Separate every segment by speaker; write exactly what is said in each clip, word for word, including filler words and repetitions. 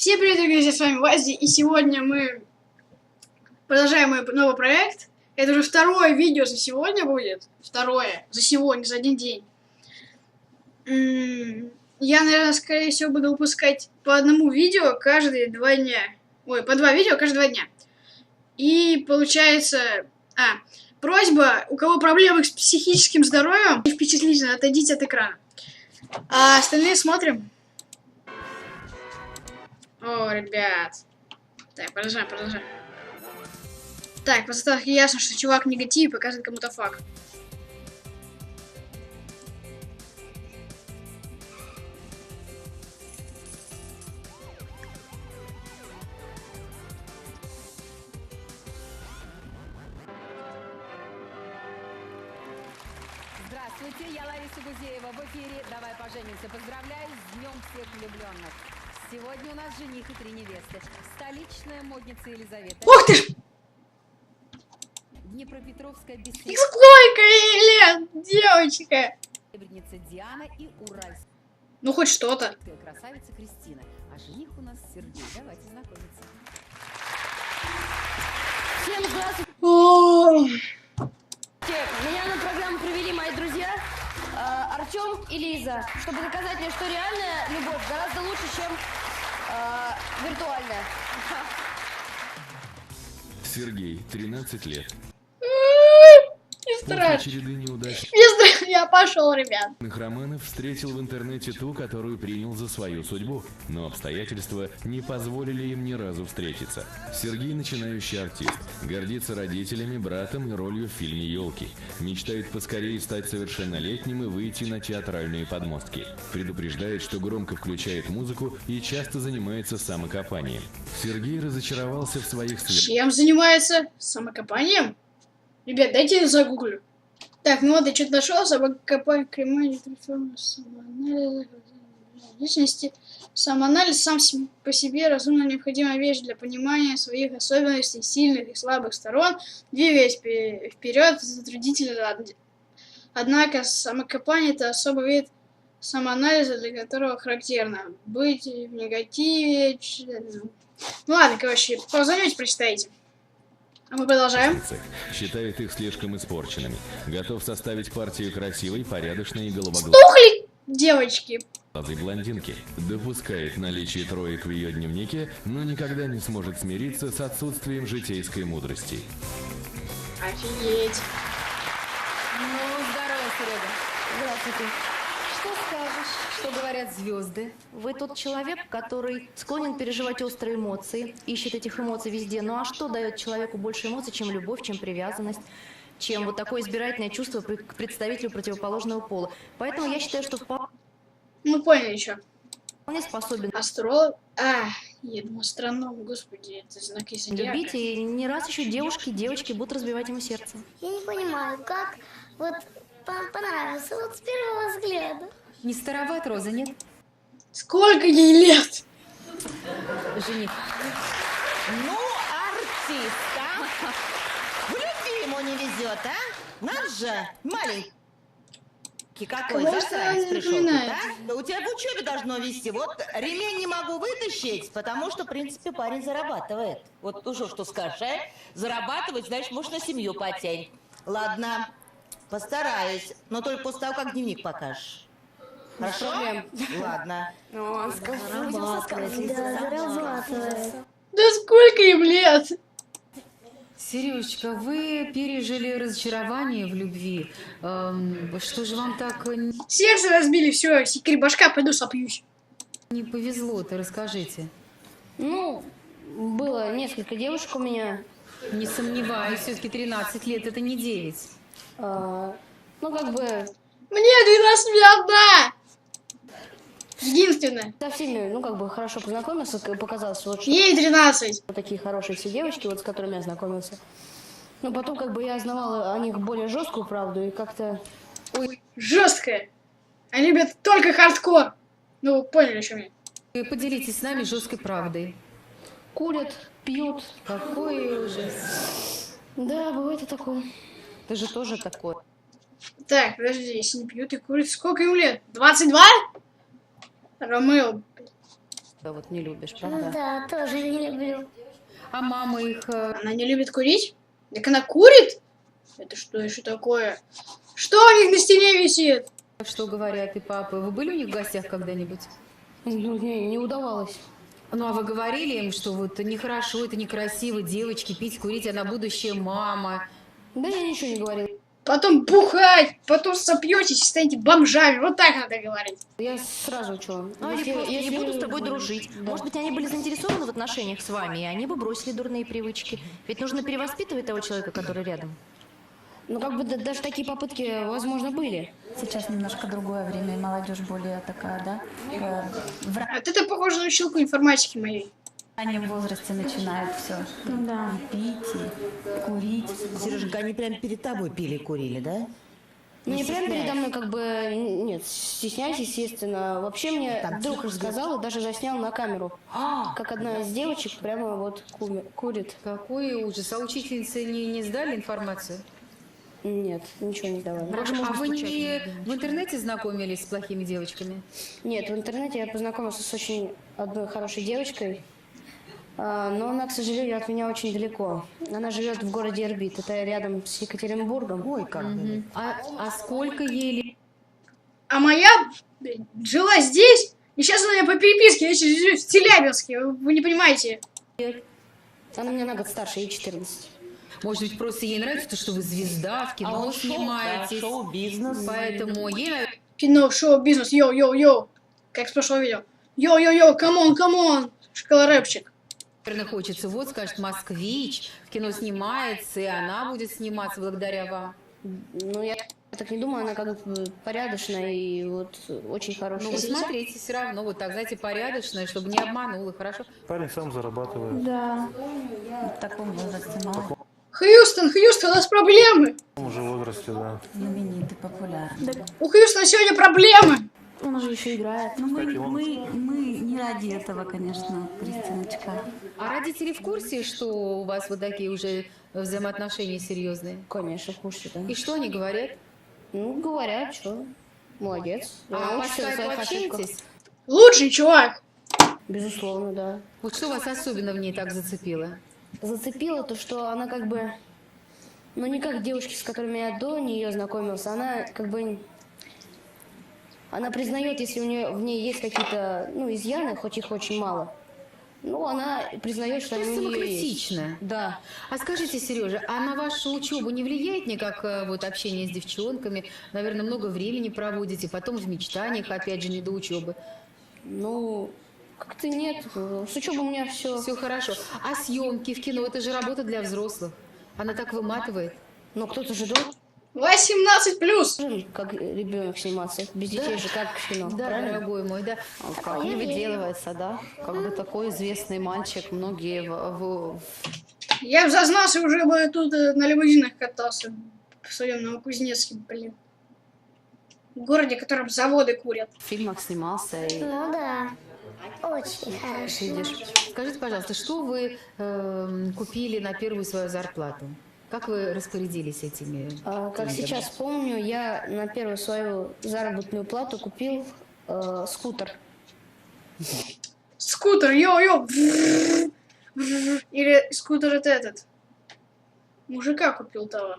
Speaker 1: Всем привет, друзья, с вами Вази, и сегодня мы продолжаем мой новый проект. Это уже второе видео за сегодня будет. Второе. За сегодня, за один день. Я, наверное, скорее всего, буду выпускать по одному видео каждые два дня. Ой, по два видео каждые два дня. И получается... А, просьба, у кого проблемы с психическим здоровьем, впечатлительно, отойдите от экрана. А остальные смотрим. О, ребят. Так, продолжаем, продолжаем. Так, по заставке ясно, что чувак в негативе показывает кому-то факт.
Speaker 2: Здравствуйте, я Лариса Гузеева в эфире «Давай поженимся». Поздравляю с Днем всех влюбленных. Сегодня у нас жених и три невесты. Столичная модница Елизавета.
Speaker 1: Ух ты ж!
Speaker 2: Днепропетровская беседа.
Speaker 1: Сколько ей лет, девочка!
Speaker 2: Серебряница Диана и Уральская
Speaker 1: Ну, хоть что-то.
Speaker 2: красавица Кристина. А жених у нас Сергей. Давайте знакомиться.
Speaker 3: Всем здравствуйте!
Speaker 1: О,
Speaker 3: Меня на программу привели мои друзья э, Артем и Лиза, чтобы доказать мне, что реальная любовь гораздо лучше, чем э, виртуальная.
Speaker 4: Сергей, тринадцать лет.
Speaker 1: не
Speaker 4: После
Speaker 1: страшно.
Speaker 4: череды неудачных
Speaker 1: Не страшно, я пошел, ребят.
Speaker 4: романов встретил в интернете ту, которую принял за свою судьбу. Но обстоятельства не позволили им ни разу встретиться. Сергей начинающий артист. Гордится родителями, братом и ролью в фильме «Елки». Мечтает поскорее стать совершеннолетним и выйти на театральные подмостки. Предупреждает, что громко включает музыку и часто занимается самокопанием. Сергей разочаровался в своих сверстниках.
Speaker 1: Чем занимается? Самокопанием? Ребят, дайте я загуглю. Так, ну вот я что-то нашел. Самокопание, кремания, самоанализ, личности. Самоанализ сам по себе разумно необходимая вещь для понимания своих особенностей, сильных и слабых сторон. Двигаясь вперед, затруднительно. Однако самокопание — это особый вид самоанализа, для которого характерно быть в негативе. Ну ладно, короче, позовете, прочитайте. А мы продолжаем.
Speaker 4: Считает их слишком испорченными. Готов составить партию красивой, порядочной и головоглазой
Speaker 1: Тухли, девочки.
Speaker 4: блондинки. Допускает наличие троек в ее дневнике, но никогда не сможет смириться с отсутствием житейской мудрости.
Speaker 1: Офигеть.
Speaker 2: Ну, здорово, Серега.
Speaker 3: Здравствуйте. Что скажешь?
Speaker 2: Что говорят звезды?
Speaker 3: Вы тот человек, который склонен переживать острые эмоции, ищет этих эмоций везде. Ну а что дает человеку больше эмоций, чем любовь, чем привязанность, чем вот такое избирательное чувство к представителю противоположного пола? Поэтому я считаю, что вполне
Speaker 1: Мы поняли еще.
Speaker 3: способен
Speaker 1: Астролог. А, я думал, астроном, господи, это знаки зодиака.
Speaker 3: любить, и не раз еще девушки, девочки будут разбивать ему сердце.
Speaker 5: Я не понимаю, как вот вам понравился вот с первого взгляда.
Speaker 2: Не староват, Роза, нет?
Speaker 1: Сколько ей лет?
Speaker 2: Жених.
Speaker 6: Ну, артист, а? В любви ему не везет, а? Надо же, маленький какой
Speaker 1: Кого
Speaker 6: засранец
Speaker 1: это
Speaker 6: пришел тут,
Speaker 1: напоминает?
Speaker 6: а? Да у тебя в учебе должно вести. Вот ремень не могу вытащить, потому что, в принципе, парень зарабатывает. Вот уже что скажешь, а? Зарабатывать, значит, может, на семью потянь. Ладно, постараюсь, но только после того, как дневник покажешь. Хорошо? Ладно.
Speaker 5: Да, зарабатывает.
Speaker 1: Да сколько им лет?
Speaker 7: Сережечка, вы пережили разочарование в любви. Эм, что же вам так не
Speaker 1: Сердце разбили, все, секрет башка, пойду сопьюсь.
Speaker 7: не повезло-то, расскажите.
Speaker 3: Ну, было несколько девушек у меня.
Speaker 7: Не сомневаюсь, все-таки тринадцать лет это не девять.
Speaker 3: А, ну, как бы
Speaker 1: Мне двенадцать лет одна. Единственная.
Speaker 3: со всеми, ну, как бы хорошо познакомился, как показалось, вот что
Speaker 1: Ей тринадцать.
Speaker 3: такие хорошие все девочки, вот с которыми я знакомился. Но потом, как бы, я знавала о них более жесткую правду, и как-то...
Speaker 1: Ой, жесткая. Они любят только хардкор. Ну, вы поняли, о чем я.
Speaker 7: Вы поделитесь с нами жесткой правдой.
Speaker 3: Курят, пьют.
Speaker 7: Какой ужас.
Speaker 3: Да, бывает и такое.
Speaker 7: Ты же тоже такой.
Speaker 1: Так, подожди, если не пьют и курят, сколько им лет? двадцать два? Ромео.
Speaker 3: вот не любишь,
Speaker 5: Ну
Speaker 3: правда?
Speaker 5: да, тоже не люблю.
Speaker 7: А мама их... э,
Speaker 1: Она не любит курить? Так она курит? Это что еще такое? Что у них на стене висит?
Speaker 7: Что говорят и папы? Вы были у них в гостях когда-нибудь?
Speaker 3: Ну, не, не удавалось.
Speaker 7: Ну, а вы говорили им, что вот нехорошо, это некрасиво, девочки, пить, курить, она будущая мама.
Speaker 3: Да я ничего не говорила.
Speaker 1: Потом бухать, потом сопьетесь и станете бомжами. Вот так надо говорить.
Speaker 3: Я сразу что?
Speaker 8: Ну, они просто не будут с тобой дружить.
Speaker 3: Да.
Speaker 8: Может быть, они были заинтересованы в отношениях с вами, и они бы бросили дурные привычки. Ведь нужно перевоспитывать того человека, который рядом.
Speaker 3: Ну, как бы да- даже такие попытки, возможно, были.
Speaker 9: Сейчас немножко другое время, и молодежь более такая, да, э, в
Speaker 1: Вот это похоже на училку информатики моей.
Speaker 9: раннем возрасте начинают все да. пить и курить.
Speaker 6: Сереженька, они прям перед тобой пили и курили, да?
Speaker 3: Ну, не прямо передо мной, как бы, н- нет, стесняюсь, естественно. Вообще мне друг рассказал и даже заснял на камеру, как одна из девочек прямо вот куми- курит.
Speaker 7: Какой ужас. А учительницы не, не сдали информацию?
Speaker 3: Нет, ничего не давали.
Speaker 7: А вы не в интернете знакомились с плохими девочками?
Speaker 3: Нет, в интернете я познакомился с очень одной хорошей девочкой, а, но она, к сожалению, от меня очень далеко. Она живет в городе Ирбит, это рядом с Екатеринбургом.
Speaker 6: Ой, как бы.
Speaker 7: А, а сколько ей лет?
Speaker 1: А моя блядь, жила здесь, и сейчас она по переписке я сейчас живу в Челябинске. Вы, вы не понимаете.
Speaker 3: Она меня на год старше, ей четырнадцать.
Speaker 7: Может быть, просто ей нравится то, что вы звезда, в кино
Speaker 6: А вот шоу, да,
Speaker 7: снимаетесь.
Speaker 6: шоу-бизнес.
Speaker 7: Поэтому ей, наверное,
Speaker 1: Кино, шоу, бизнес, йоу-йоу-йоу. Как с прошлого видео. Йоу-йоу-йоу, камон, камон. Школа рэпчик.
Speaker 7: хочется, вот, скажет, москвич, в кино снимается, и она будет сниматься благодаря вам.
Speaker 3: Ну, я так не думаю, она как бы порядочная и вот очень хорошая.
Speaker 7: Ну, вы смотрите все равно, вот так, знаете, порядочная, чтобы не обманула, хорошо?
Speaker 10: Парень сам зарабатывает.
Speaker 9: Да, в таком возрасте мало
Speaker 1: Хьюстон, Хьюстон, у нас проблемы.
Speaker 10: В том же возрасте, да.
Speaker 9: знаменитый, популярный.
Speaker 1: У Хьюстона сегодня проблемы.
Speaker 3: Он же еще играет.
Speaker 9: Ну, мы,
Speaker 10: Так и он.
Speaker 9: мы, мы не ради этого, конечно, Кристиночка.
Speaker 7: А родители в курсе, что у вас вот такие уже взаимоотношения серьезные?
Speaker 3: Конечно, в курсе, да.
Speaker 7: И что они говорят?
Speaker 3: Ну, говорят, что молодец.
Speaker 7: А по
Speaker 3: Учится на
Speaker 7: скайпу
Speaker 3: своих ошибках.
Speaker 7: общаетесь?
Speaker 1: Лучший чувак.
Speaker 3: Безусловно, да.
Speaker 7: Вот что вас особенно в ней так зацепило?
Speaker 3: Зацепило то, что она как бы, ну не как девушки, с которыми я до нее знакомился, она как бы, она признает, если у нее в ней есть какие-то, ну, изъяны, хоть их очень мало. Ну, она признает, что
Speaker 7: То
Speaker 3: они
Speaker 7: есть
Speaker 3: у нее есть.
Speaker 7: самокритично.
Speaker 3: Да.
Speaker 7: А скажите, Сережа, а на вашу учебу не влияет никак э, вот общение с девчонками? Наверное, много времени проводите, потом в мечтаниях, опять же, не до учебы.
Speaker 3: Ну, как-то нет. С учебой у меня все.
Speaker 7: Все хорошо. А съемки в кино, это же работа для взрослых. Она так выматывает.
Speaker 3: Но кто-то же должен,
Speaker 1: восемнадцать плюс.
Speaker 3: как ребенок, сниматься. Без детей же как в кино.
Speaker 7: Да,
Speaker 3: правильно?
Speaker 7: дорогой мой, да.
Speaker 3: Как не
Speaker 11: выделывается, да? Как бы такой известный мальчик, многие в, в-
Speaker 1: Я бы зазнался, уже бы тут э, на лимузинах катался. В своем Новокузнецке, блин. В городе, в котором заводы курят.
Speaker 11: в фильмах снимался. И
Speaker 5: Ну да, очень хороший.
Speaker 11: видишь.
Speaker 7: Скажите, пожалуйста, что вы эм, купили на первую свою зарплату? Как вы распорядились этими?
Speaker 3: А, как
Speaker 7: деньгами?
Speaker 3: сейчас помню, я на первую свою заработную плату купил э, скутер.
Speaker 1: Скутер, йо-йо. Или скутер это этот. Мужика купил того.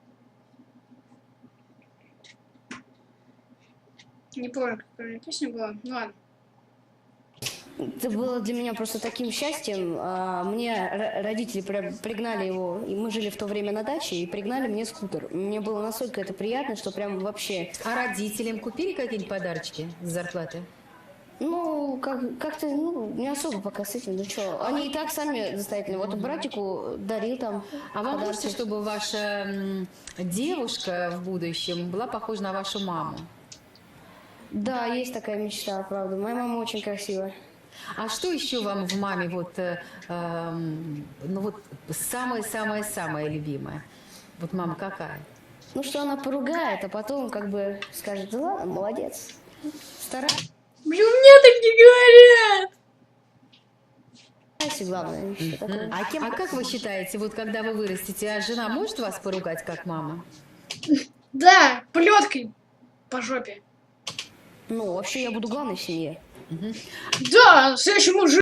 Speaker 1: Не помню, какая песня была. Ну ладно.
Speaker 3: Это было для меня просто таким счастьем. А, Мне р- родители при- пригнали его, и мы жили в то время на даче, и пригнали мне скутер. Мне было настолько это приятно, что прям вообще...
Speaker 7: А родителям купили какие-нибудь подарочки с зарплаты?
Speaker 3: Ну, как- как-то, ну, не особо пока с этим, ну что, они и так сами состоятельные. Вот братику дарил там
Speaker 7: А вам
Speaker 3: подарки.
Speaker 7: хочется, чтобы ваша м, девушка в будущем была похожа на вашу маму?
Speaker 3: Да, есть такая мечта, правда. Моя мама очень красивая.
Speaker 7: А что еще вам в маме вот, э, эм, ну вот самое-самое-самое любимое? Вот мама какая?
Speaker 3: Ну, что она поругает, а потом как бы скажет, да ладно, молодец. Старайся,
Speaker 1: Блин, мне так не говорят.
Speaker 3: главное. Что такое.
Speaker 7: А, кем, а как вы считаете, вот когда вы вырастете, а жена может вас поругать как мама?
Speaker 1: Да, плеткой по жопе.
Speaker 3: Ну, вообще я буду главной в семье.
Speaker 1: Да, следующий мужик.